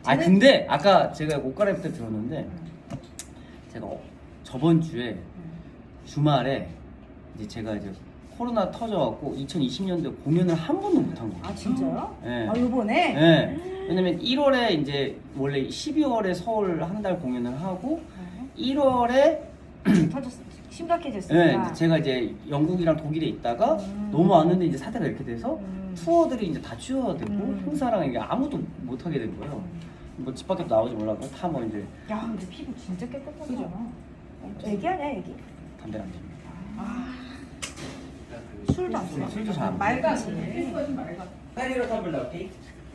아 근데 아까 제가 옷 갈아입을 때 들었는데 제가 저번 주에 주말에 이제 제가 이제 코로나 터져갖고 2020년도에 공연을 한 번도 못 한 거예요. 아 진짜요? 네. 아 요번에? 네. 왜냐면 1월에 이제 원래 12월에 서울 한 달 공연을 하고 1월에 터졌어. 심각해졌으니까. 네, 제가 이제 영국이랑 독일에 있다가 넘어왔는데 이제 사태가 이렇게 돼서 투어들이 이제 다 취소되고 행사랑 이게 아무도 못 하게 된 거예요. 뭐 집 밖에 나오지 몰라고 다 뭐 이제 야 근데 피부 진짜 깨끗하잖아. 애기 아니야 애기? 담배를 안 피우고 술도 안 써. 술도 잘 안 맑아지. 페리로 텀블러 오케이?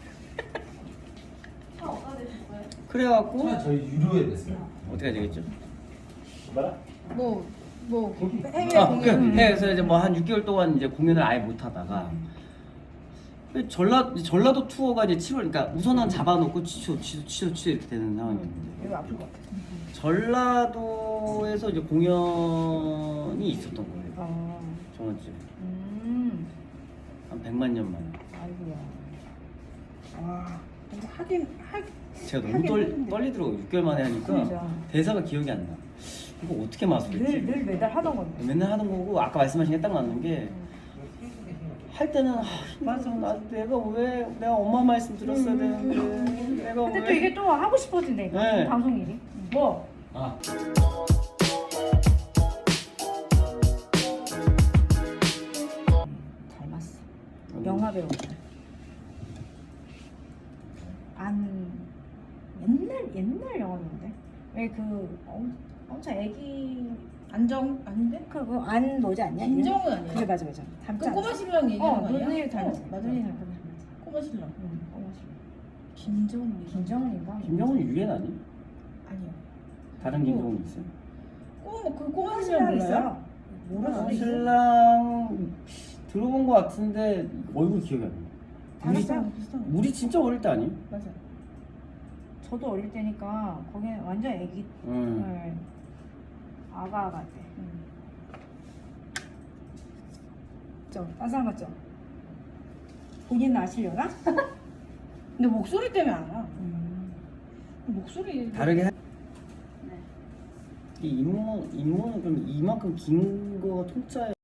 그래갖고 저희 유료에 됐어요. 어떻게 해야 되겠죠? 뭐라? 뭐 해외 아, 공연 그래서 이제 뭐 한 6개월 동안 이제 공연을 아예 못 하다가 전라도 투어가 이제 7월, 그러니까 우선은 잡아놓고 취소 이렇게 되는 상황이었는데 이거 아플 것 같아. 전라도에서 이제 공연이 있었던 거예요. 저번 주에 한 100만 년 만에. 아이고야. 와. 근데 제가 너무 하긴 했는데. 떨리더라고요. 6개월 만에 하니까 그죠. 대사가 기억이 안 나. 이거 어떻게 마술했지? 늘 매달 하던 건데. 맨날 하는 거고 아까 말씀하신 게 딱 맞는 게 할 때는 맞아 내가 왜 내가 엄마 말씀 들었어야 되는데 내가 근데 또 왜 이게 또 하고 싶어진다니까. 네. 방송 일이. 뭐? 아. 닮았어. 영화 배우. 안 옛날 영화인데. 왜 그 엄청 애기 안정 아닌데? 그거 안 뭐지 않냐? 김정은 아니야? 그래 맞아. 그 닮지 꼬마 신랑 얘기하는 거 아니야? 눈이 닮았어. 맞아. 눈이 닮았어. 꼬마 신랑. 응, 꼬마 신랑. 김정은 김정은인가? 김정은 유엔 아니? 아니야. 다른 김정은 있어요? 그 꼬마 신랑 신랑 몰라요? 있어요. 모르는데 신랑 들어본 것 같은데 얼굴 기억이 안 나. 우리 비슷한 거. 우리 진짜 어릴 때 아니? 맞아. 저도 어릴 때니까 거기는 완전 애기 응. 아가 때. 딴 사람 같죠? 본인은 아시려나? 근데 목소리 때문에 알아. 목소리 다르게 이 인모는 좀 이만큼 긴 거 통짜예요.